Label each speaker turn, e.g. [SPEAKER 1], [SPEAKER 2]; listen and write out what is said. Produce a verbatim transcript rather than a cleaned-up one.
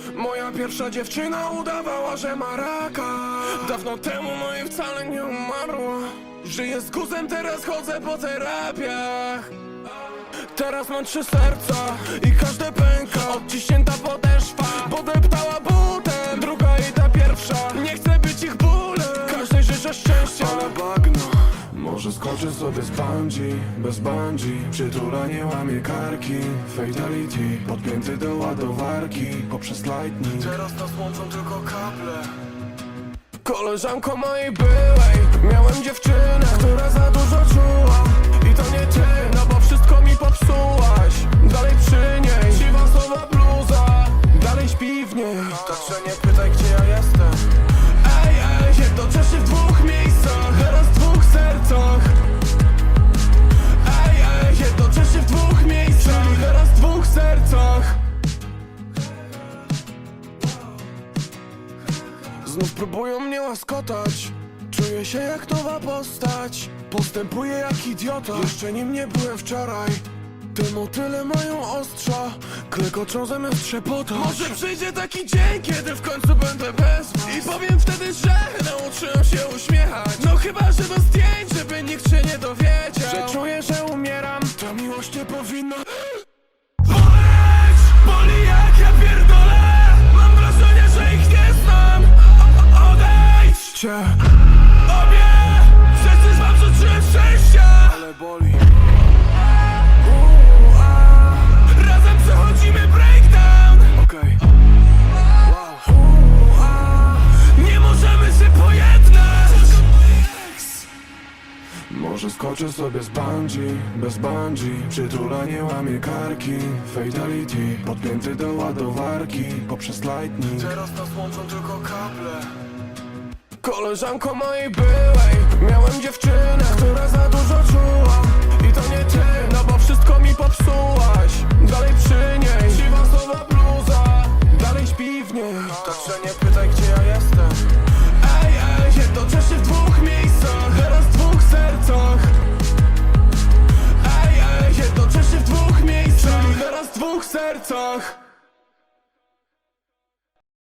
[SPEAKER 1] Moja pierwsza dziewczyna udawała, że ma raka. Dawno temu, no i wcale nie umarła. Żyję z guzem, teraz chodzę po terapiach. Teraz mam trzy serca i każde pęka. Odciśnięta podeszwa, podeptała butem. Druga i ta pierwsza, nie chcę być ich bólem. Każdej życzę szczęścia, ale bagno. Może skoczę sobie z bungee, bez bungee. Przytulanie łamie karki. Fatality, podpięty do ładowarki poprzez lightning. Teraz nas łączą tylko kable. Koleżanko mojej byłej, miałem dziewczynę, która za dużo czuła. I to nie ty, no bo wszystko mi popsułaś. Dalej przy niej, siwa słowa bluza. Dalej śpi w niej, także nie pytaj, gdzie ja jestem. Ej, ej, jednocześnie w dwóch miejscach, teraz w dwóch sercach. Ej, ej, jednocześnie w dwóch miejscach, czyli teraz w dwóch sercach. Znów próbują mnie łaskotać. Czuję się jak nowa postać. Postępuję jak idiota. Jeszcze nim nie byłem wczoraj. Te motyle mają ostrza, klekoczą zamiast trzepotać. Może przyjdzie taki dzień, kiedy w końcu będę bez was. I powiem wtedy, że nauczyłem się uśmiechać. No chyba, że do zdjęć, żeby nikt się nie dowiedział, że czuję, że umieram. Ta miłość nie powinna boleć. Boli jak ja pierdolę. Mam wrażenie, że ich nie znam. Odejdźcie obie, przecież wam życzyłem szczęścia. Ale boli. Razem przechodzimy breakdown. Okej, wow. Nie możemy się pojednać. Może skoczę sobie z bungee, bez bungee. Przytulanie łamie karki. Fatality, podpięty do ładowarki poprzez lightning. Teraz nas łączą tylko kable. Koleżanko mojej byłej, miałem dziewczynę, która za dużo czuła. I to nie ty, no bo wszystko mi popsułaś. Dalej przy niej, siwa słowa bluza. Dalej śpi w niej, także nie pytaj, gdzie ja jestem. Ej, ej, jednocześnie w dwóch miejscach, teraz w dwóch sercach. Ej, ej, jednocześnie w dwóch miejscach, czyli teraz w dwóch sercach.